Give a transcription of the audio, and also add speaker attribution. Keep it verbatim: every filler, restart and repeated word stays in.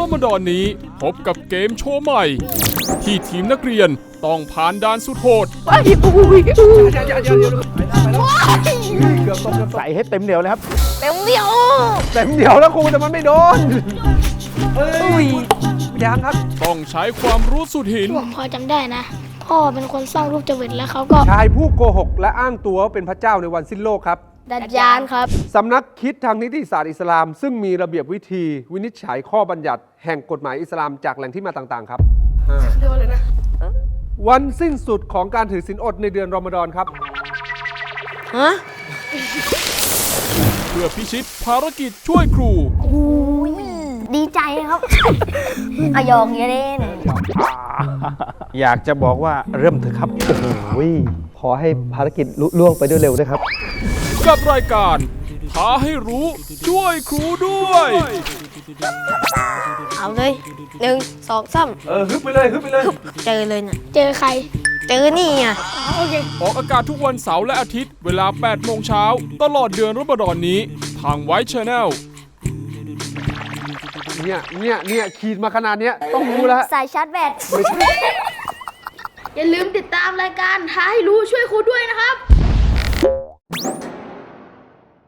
Speaker 1: มฎอนนี้พบกับเกมโชว์ใหม่ ที่ทีมนักเรียนต้องผ่านด่านสุดโหด
Speaker 2: ใส่ให้เต็มเหนียวเลยครับ
Speaker 3: เต็มเดียว
Speaker 2: เต็มเหนียวแล้วครูแต่มันไม่โดนอุ้ยยังครับ
Speaker 1: ต้องใช้ความรู้สุดหิน
Speaker 3: ผมพอจำได้นะ พ่อเป็นคนสร้างรูปจวิตแล้วเขาก็
Speaker 2: ชายผู้โกหกและอ้างตัวว่าเป็นพระเจ้าในวันสิ้นโลกครับ
Speaker 3: ดัดยานครับ
Speaker 2: สำนักคิดทางนิติศาสตร์อิสลาม ซึ่งมีระเบียบวิธีวินิจฉัยข้อบัญญัติแห่งกฎหมายอิสลามจากแหล่งที่มาต่างๆครับวันสิ้นสุดของการถือศีลอดในเดือนรอมฎอนครับ
Speaker 3: ฮะ
Speaker 1: เพื่อพิชิตภารกิจช่วยครู
Speaker 3: ดีใจครับ อายองเยเล่น
Speaker 4: อยากจะบอกว่าเริ่มเถอะครับ
Speaker 2: โอ้ยขอให้ภารกิจลุล่วงไปด้วยเร็วนะครับ
Speaker 1: กับรายการท้าให้รู้ช่วยครูด้วย
Speaker 3: เอาเลยหนึ่งสองสาม
Speaker 2: เออฮึบไปเลยฮึบไปเลย
Speaker 3: เจอเลยนะเจอใคร เจอนี่ไงโอเค
Speaker 1: ออกอากาศทุกวันเสาร์และอาทิตย์เวลาแปดโมงเช้าตลอดเดือนรอมฎอนนี้ทางไวท์ชาแนล
Speaker 2: เนี่ยเนี่ยเนี่ยขีดมาขนาดเนี้ยต้องรู้แล้ว
Speaker 3: สายชาร์จแบต
Speaker 2: ไม่ใช่
Speaker 5: อย่าลืมติดตามรายการท้าให้รู้ช่วยครูด้วยนะครับ